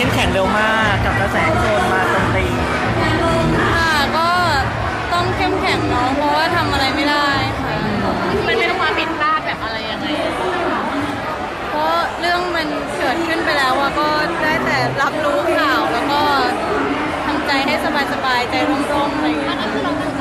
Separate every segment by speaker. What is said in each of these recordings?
Speaker 1: มแข็งเร็วมากกับกระแสที่โดนมาโจมตี
Speaker 2: ค่ะก็ต้องเข้มแข็งเนาะเพราะว่าทำอะไรไม่ได้ค่ะ
Speaker 3: มันเป็นความผิดพลาดแบบอะไรยังไง
Speaker 2: เพราะเรื่องมันเกิดขึ้นไปแล้วอะก็ได้แต่รับรู้ข่าวแล้วก็ทำใจให้สบายๆใจร่มๆอะไรอย่างเงี้ย
Speaker 3: นั่นคือเราตั้งใจ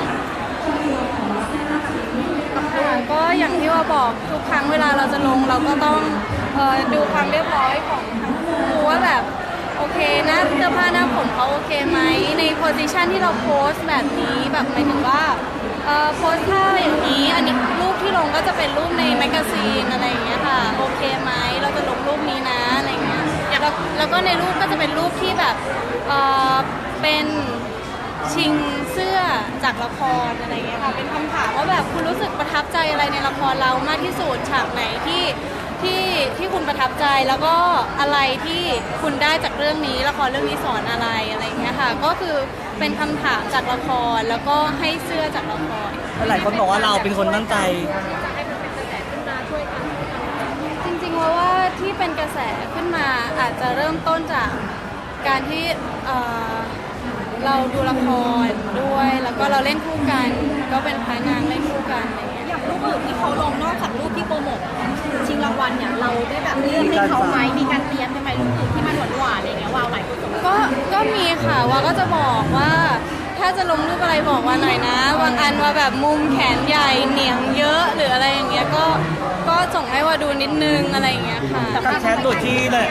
Speaker 2: ก็อย่างที่ว่าบอกทุกครั้งเวลาเราจะลงเราก็ต้องดูความเรียบร้อยของทั้งคู่ว่าแบบโอเคนะเสื้อผ้าหน้าผมเขาโอเคไหมในโพสิชันที่เราโพสแบบนี้แบบหมายถึงว่าโพสท่าอย่างนี้อันนี้รูปที่ลงก็จะเป็นรูปในแมกกาซีนอะไรอย่างเงี้ยค่ะโอเคไหมเราจะลงรูปนี้นะอะไรเงี้ยแล้วก็ในรูปก็จะเป็นรูปที่แบบเป็นชิงเสื้อจากละครอะไรเงี้ยค่ะเป็นคำถามว่าแบบคุณรู้สึกประทับใจอะไรในละครเรามากที่สุดฉากไหนที่คุณประทับใจแล้วก็อะไรที่คุณได้จากเรื่องนี้ละครเรื่องนี้สอนอะไรอะไรเงี้ยค่ะก็คือเป็นคำถามจากละครแล้วก็ให้เสื้อจากละคร
Speaker 1: หลายคนบอกว่าเราเป็นคนตั้งใจ
Speaker 2: จริงๆว่าที่เป็นกระแสขึ้นมาอาจจะเริ่มต้นจากการที่เราดูละครด้วยแล้วก็เราเล่นคู่กันก็เป็นพระนางเล่นคู่กันอะไรเงี้ย
Speaker 3: อย่างรูปอื่นที่เขาลงนอกจากรูปที่โปรโมทชิงรางวัลเนี่ยเราได้แบบเลือกให้เขาไหมมีการเตรียมใช่ไหมรูปอื่นที่มันหวานๆอะไรเงี้ยว้าวหลายคน
Speaker 2: ก็มีค่ะว่าก็จะบอกว่าถ้าจะลงรูปอะไรบอกว่าหน่อยนะบางอันว่าแบบมุมแขนใหญ่เหนียงเยอะหรืออะไรอย่างเงี้ยก็ส่งให้ว่าดูนิดนึงอะไรอย่างเงี้ยค่ะ
Speaker 1: กับแชทตัวที่เลย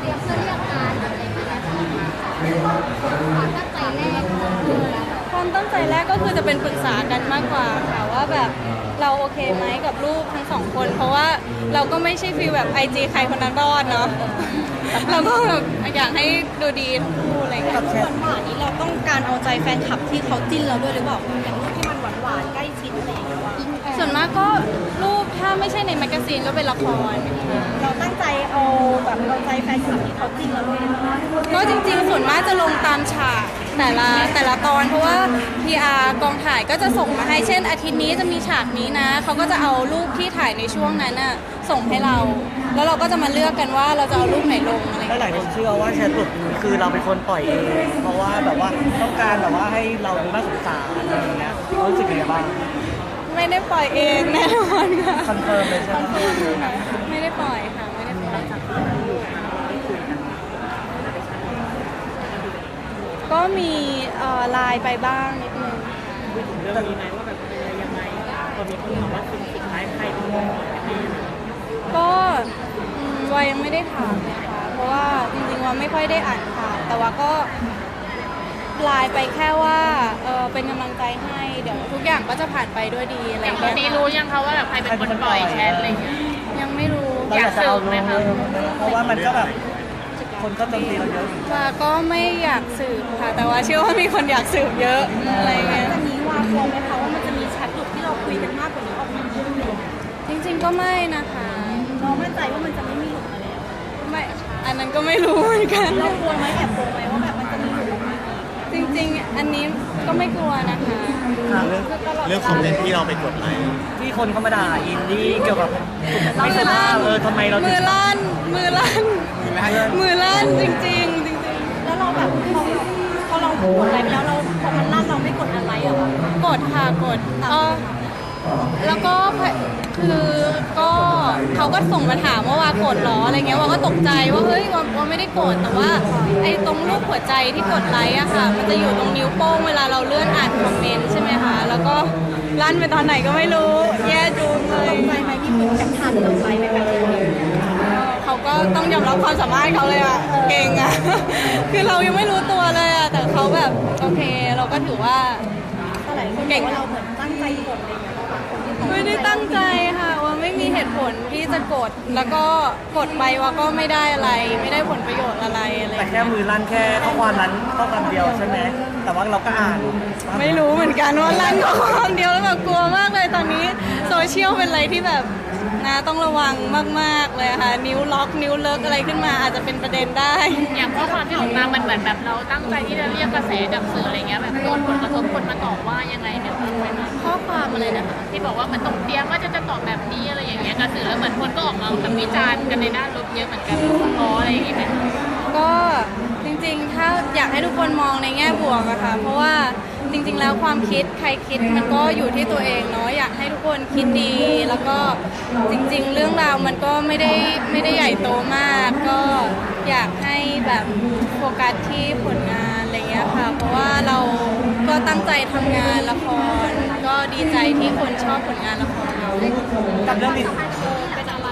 Speaker 2: ความตั้งใจแรกก็คือจะเป็นปรึกษากันมากกว่าค่ะว่าแบบเราโอเคไหมกับรูปทั้งสองคนเพราะว่าเราก็ไม่ใช่ฟีลแบบIGใครคนนั้นรอดเนาะเราก็แบบอยากให้ดูดีทั้งคู่อะไรเงี้ย
Speaker 3: กับแชทหวานนี้เราต้องการเอาใจแฟนคลับที่เขาจิ้นเราด้วยหรือเปล่าอย่างรูปที่มันหวานๆใกล้ชิดอะไรอย่างเงี้ย
Speaker 2: ส่วนมากก็รูปถ้าไม่ใช่ในแมกกาซีนก็เป็นละคร
Speaker 3: เราตั้งใจเอาแบบเอาใจแฟนคลับที่เขาจิ้นเราด้วย
Speaker 2: ก็จริงๆส่วนมากจะลงตามฉากแต่ละตอนเพราะว่า PR กองถ่ายก็จะส่งมาให้เช่นอาทิตย์นี้จะมีฉากนี้นะเขาก็จะเอารูปที่ถ่ายในช่วงนั้นน่ะส่งให้เราแล้วเราก็จะมาเลือกกันว่าเราจะเอารูปไหนลงอะไร
Speaker 1: หลายคนเชื่อว่าแชทหลุดคือเราเป็นคนปล่อยเองเพราะว่าแบบว่าต้องการแบบว่าให้เราดูน่าสงสารอะไรอย่างเงี้ยรู้สึกยังไงบ้าง
Speaker 2: ไม่ได้ปล่อยเองแน่นอนค่ะ
Speaker 1: คอนเฟิร์มเลยใช่ไหม
Speaker 2: ไม่ได้ปล่อยค่ะไม่ได้ปล่อยก็มีไลน์ไปบ้างนิดนึง
Speaker 1: เรื่องนี้ไหมว่าแบบยังไงพอมีคนถามว่าคุณสุดท้ายใครเป็นคน
Speaker 2: ก็วายังไม่ได้ถามนะคะเพราะว่าจริงๆว่าไม่ค่อยได้อ่านข่าวแต่ว่าก็ไลน์ไปแค่ว่าเป็นกำลังใจให้เดี๋ยวทุกอย่างก็จะผ่านไปด้วยดีอะไรอย่างเงี้ย
Speaker 3: นี้รู้ยังคะว่าแบบใครเป็นคนปล่อยแชทอะไรอย่างเงี้ย
Speaker 2: ยังไม่รู้
Speaker 1: อยากจะเอาไหมคะเพราะว่ามันก็แบบคนก็โจมตีเราเยอะ
Speaker 2: ว่าก็ไม่อยากสืบค่ะแต่ว่าเชื่อว่ามีคนอยากสืบเยอะอะไรเงี้ย
Speaker 3: จะมีวางวงไหมคะว่ามันจะมีแชทหลุดที่เราคุยกันมากกว่านี้ออกมา
Speaker 2: จริงๆก็ไม่นะคะ
Speaker 3: เรามั่นใจว่ามันจะไม่มีหลุดมาแล้ว
Speaker 2: ไม่อันนั้นก็ไม่รู้เหมือนกัน
Speaker 3: เรากลัวไหมแอบกลัวไหมว่าแบบมันจะมีหลุดออกมา
Speaker 2: จริงๆอันนี้ก็ไม่กลัวนะคะ
Speaker 1: เรื่องคอมเมนต์ที่เราไปกดไลค์ที่คนเขามาด่าอินดี้เกี่ยวกับไม่ทราบทำไมเรา
Speaker 2: มือลั่นจริง
Speaker 3: แล้วเราแบบพอเรากดอะไรไปแล้วเราพอมันลั่นเราไม่กดอะไรอะคะ
Speaker 2: กดค่ะกดแล้วก็คือก็เขาก็ส่งมาถามว่ากดหรออะไรเงี้ยว่าก็ตกใจว่าเฮ้ยว่าไม่ได้กดแต่ว่าไอ้ตรงรูปหัวใจที่กดไลค์อะค่ะมันจะอยู่ตรงนิ้วโป้งเวลาเราเลื่อนอ่านคอมเมนต์ใช่ไหมคะแล้วก็ลั่นไปตอนไหนก็ไม่รู้แย่ดูเลย
Speaker 3: ตกใจไหมที่เหมือนกับทันเราไปในแบบนี้
Speaker 2: เขาก็ต้องยอมรับความสามารถเขาเลยอะเก่งอะคือเรายังไม่รู้ตัวเลยอะแต่เขาแบบโอเคเราก็ถือว่า
Speaker 3: เก่งว่าเราเหมือนตั้งใจกดอะไรอย่างเงี้ย
Speaker 2: ไม่ได้ตั้งใจค่ะว่าไม่มีเหตุผลที่จะกดแล้วก็กดไปว่าก็ไม่ได้อะไรไม่ได้ผลประโยชน์อะไร
Speaker 1: แต่แค่มือลั่นแค่ข้อความนั้นข้อความเดียวใช่ไหมแต่ว่าเราก็อ่าน
Speaker 2: ไม่รู้เหมือนกันว่าลั่นข้อความเดียวแล้วแบบกลัวมากเลยตอนนี้โซเชียลเป็นอะไรที่แบบนะต้องระวังมากๆเลยค่ะนิ้วล็อกนิ้วเลิกอะไรขึ้นมาอาจจะเป็นประเด็นได้
Speaker 3: อย่างข้อความที่ออกมามันเหมือนแบบเราตั้งใจที่จะเรียกกระแสจากสื่ออะไรเงี้ยแบบโดนผลกระทบคนมาตอบว่ายังไงเนี่ย
Speaker 2: ข้อความอะไรนะคะ
Speaker 3: ที่บอกว่ามันตกเตรียมว่าจะตอบแบบนี้อะไรอย่างเงี้ยกระสือแล้วเหมือนคนก็ออกมาแบบวิจารณ์กันในด้านลบเยอะเหมือนกันเพราะอะไรอย่างเงี้ย
Speaker 2: ก็ให้ทุกคนมองในแง่บวกอะค่ะเพราะว่าจริงๆแล้วความคิดใครคิดมันก็อยู่ที่ตัวเองเนาะอยากให้ทุกคนคิดดี แล้วก็จริงๆ เรื่องราวมันก็ไม่ได้ใหญ่โตมาก ก็อยากให้แบบโฟกัสที่ผลงานอะไรเงี้ยค่ะเพราะว่าเราก็ตั้งใจทำงานละคร ก็ดีใจที่คนชอบผลงานละครเรา
Speaker 1: กับเรื่องนี้
Speaker 3: เป็นอะไร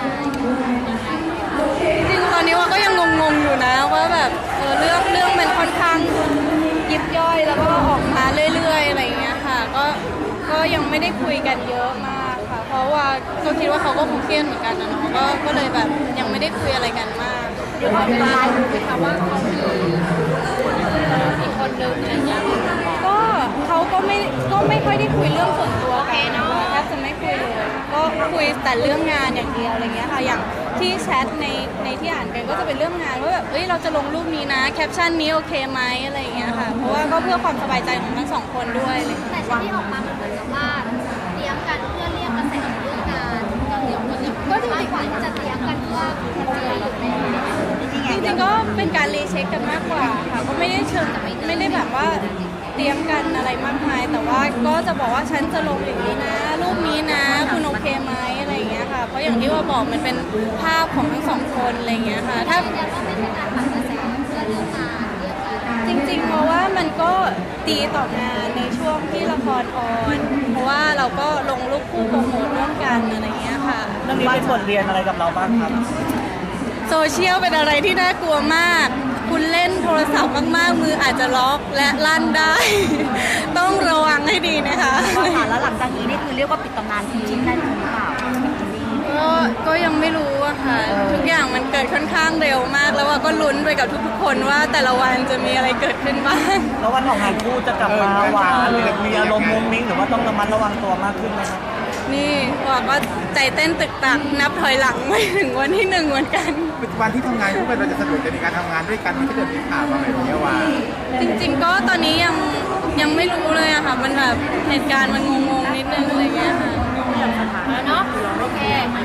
Speaker 2: จริงๆตอนนี้ว่าก็ยังงงๆอยู่นะว่าแบบเรื่องมันค่อนข้างยิบย่อยแล้วก็ออกมาเรื่อยๆอะไรอย่างเงี้ยค่ะก็ยังไม่ได้คุยกันเยอะมากค่ะ เพราะว่าก็คิดว่าเขาก็คงเครียดเหมือนกันนะเนาะก็เลยแบบยังไม่ได้คุยอะไรกันมาก
Speaker 3: เดี๋ยวว่าเป็นอะไรรู้ไหมคะว่าเขามีอีกคนนึงอะไรอย่างเงี้ย
Speaker 2: ก็เขาก็ไม่ค่อยได้คุยเรื่องส่วนตัวกันนะคะแทบจะไม่คุยเลยก็คุยแต่เรื่องงานอย่างเดียวอะไรเงี้ยค่ะอย่างที่แชทในที่อ่านกันก็จะเป็นเรื่องงานว่าแบบเราจะลงรูปนี้นะแคปชั่นนี้โอเคไหมอะไรอย่างเงี้ยค่ะเพราะว่าก็เพื่อความสบายใจของทั้งสองคนด้วยเลย
Speaker 3: แต่ที่ออกมามันเหมือนกับว่าเตรียมกันเพื่อเรียกกระแสเรื่องงานก็จริงๆมากกว่าที่จะเตรียมกันเพื่อเคลียร์อยู่ใน
Speaker 2: จริงๆก็เป็นการรีเช็คกันมากกว่าค่ะก็ไม่ได้เชิงไม่ได้แบบว่าเตรียมกันอะไรมากมาย แต่ว่าก็จะบอกว่าฉันจะลงอย่างนี้นะ รูปนี้นะคุณโอเคไหมอะไรอย่างเงี้ยค่ะเพราะอย่างที่ว่าบอกมันเป็นภาพของทั้งสองคนอะไรอย่างเงี้ยค่ะถ้า
Speaker 3: ยืนยันว่าไม่ใช่การปั่นกระแสเพื่อเรื่องงานเรื่องอะไร
Speaker 2: จริงๆเพราะว่ามันก็ดีต่องานในช่วงที่ละครออนเพราะว่าเราก็ลงรูปคู่โปรโมทร่วมกันอะไรอย่างเงี้ยค่ะ
Speaker 1: เรื่องนี้เป็นบทเรียนอะไรกับเราบ้างครับ
Speaker 2: โซเชียลเป็นอะไรที่น่ากลัวมาก คุณเล่นโทรศัพท์มากๆ มืออาจจะล็อกและลั่นได้ ต้องระวังให้ดีนะคะ
Speaker 3: ค่ะแล้วหลังจากนี้นี่คือเรียกว่าปิดตำนานจริงๆได้หรือเปล่า
Speaker 2: ก็ยังไม่รู้อะค่ะ ทุกอย่างมันเกิดค่อนข้างเร็วมาก แล้วว่าก็ลุ้นไปกับทุกๆคนว่าแต่ละวันจะมีอะไรเกิดขึ้นบ้าง
Speaker 1: แล้ววันของงานคู่จะกลับมาหวานหรือมีอารมณ์มุ้งมิ้งหรือว่าต้องระมัดระวังตัวมากขึ้นไหมครับ
Speaker 2: นี่ว่าก็ใจเต้นตึกตักนับถอยหลังไม่ถึงวันที่1เหมือนกัน
Speaker 4: วันที่ทำงานคู่กันเราจะสะดวกในการทำงานด้วยกันมันก็เกิดมีข่าวมาแบบนี้ว่า
Speaker 2: จริงๆก็ตอนนี้ยังไม่รู้เลยอะค่ะ มันแบบเหตุการณ์มันงงๆนิดนึงอะไรเงี้ยค่ะ
Speaker 3: เนาะโอเค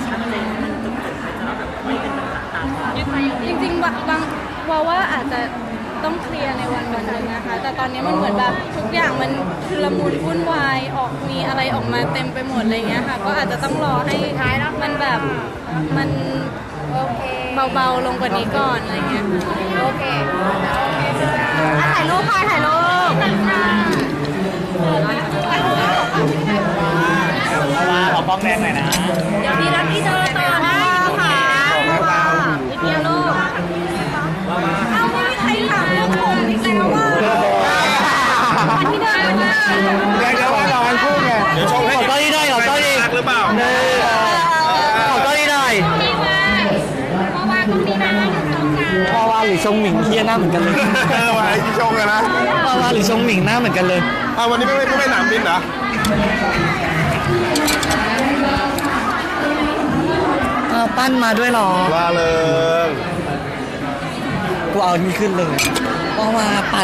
Speaker 2: จริงๆบางว่าอาจจะต้องเคลียร์ในวันนึงนะคะ แต่ตอนนี้มันเหมือนแบบทุกอย่างมันชุลมุนวุ่นวายมีอะไรออกมาเต็มไปหมดอะไรเงี้ยค่ะ ก็อาจจะต้องรอให้มันแบบมัน
Speaker 3: โอเค
Speaker 2: เบาๆลงกว่านี้ก่อนอะไรเงี้ยค่ะ
Speaker 3: โอเคถ่ายรูปค่ะถ่ายรูป
Speaker 1: ว่าขอป้องแดงหน่อยนะ
Speaker 3: เดี๋ยวพี่รับพี่เจอต่อนะค่ะนิดเดียวลูกเอาไม่มีใครถามเรื่องผมอีกแล้วว่าวันที่เดินมา
Speaker 4: เรียกได้ว่าเราทั้งคู่ไงเดี๋ยวชมให้
Speaker 1: ขอต้อนนี้ได้ขอต้อนนี้
Speaker 4: หรือเปล่า
Speaker 1: ขอต้อนนี้ได้
Speaker 3: มีมาเมื่อวานตรงนี้นะอยู่ตรงกลาง
Speaker 1: พอวาหรือชงหมิงเฮียหน้าเหมือนกันเลย
Speaker 4: ว่าไอ้ที่ชงกันนะ
Speaker 1: พอวาหรือชงหมิงหน้าเหมือนกันเลย
Speaker 4: วันนี้ไม่หนามบินเหรอ
Speaker 1: ปั้นมาด้วยหรอ
Speaker 4: ว่าเลย
Speaker 1: กูเอานี่ขึ้นเลยพอวาปัด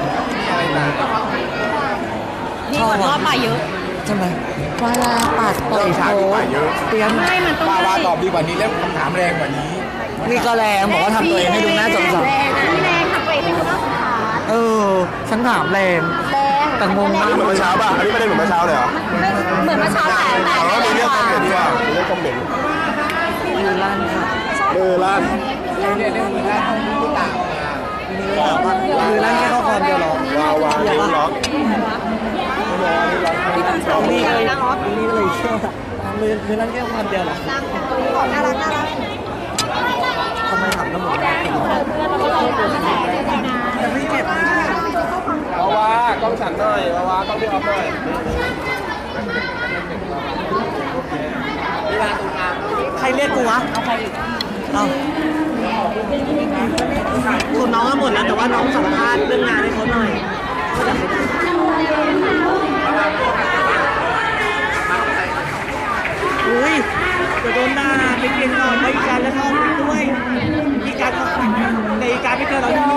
Speaker 3: นี่เหมือนรอบมาเยอะ
Speaker 1: ใช่ไหมวาลาปัดปล่อยโพเตรียม
Speaker 3: ไม่มันต้อง
Speaker 4: ว่าตอบดีกว่านี้แล้วคำถามแรงกว่านี้
Speaker 1: นี่ก็แรงบอกว่าทำตัวเองให้ดูน่าสงสาร
Speaker 3: แรงนะแรงทำตัวเองเป็นคนน่าสงสาร
Speaker 1: ฉันถามแรง
Speaker 3: แรง
Speaker 1: แต่งงมาก
Speaker 4: เหมือนเมื่อเช้าป่ะ อันนี้ไม่ได้เหมือนเมื่อเช้าเลยเหรอ
Speaker 3: เหมือนเมื่อเช้าแต่
Speaker 4: อ๋อมีเรื่องคอมเมนต์ดีกว่ามีเรื่องคอมเมนต์
Speaker 1: มือลั่นค่ะ
Speaker 4: ลั่น
Speaker 1: มือลั่นแค่ข้อความเดียวหรอ
Speaker 4: วางนิ้วล็อก
Speaker 1: นี่ก็เลยเชื่อมือลั่นแค่ข้อความเดียวหรอ
Speaker 3: น่ารักน่ารัก
Speaker 1: ทำไมทำน้ำหมด จะไม่เจ็บ
Speaker 4: วากล้องฉันหน่อยวากล้องพี่ออฟหน่อย
Speaker 1: ใครเรียกกูวะเอาคุณน้องก็หมดแล้วแต่ว่าน้องสัมภาษณ์เรื่องงานให้เขาหน่อยอุ้ยจะโดนด่าไปเปลี่ยนก่อนไปอีกการแล้วก็ด้วยอีกการเขาในอีกการไม่เจอเราที่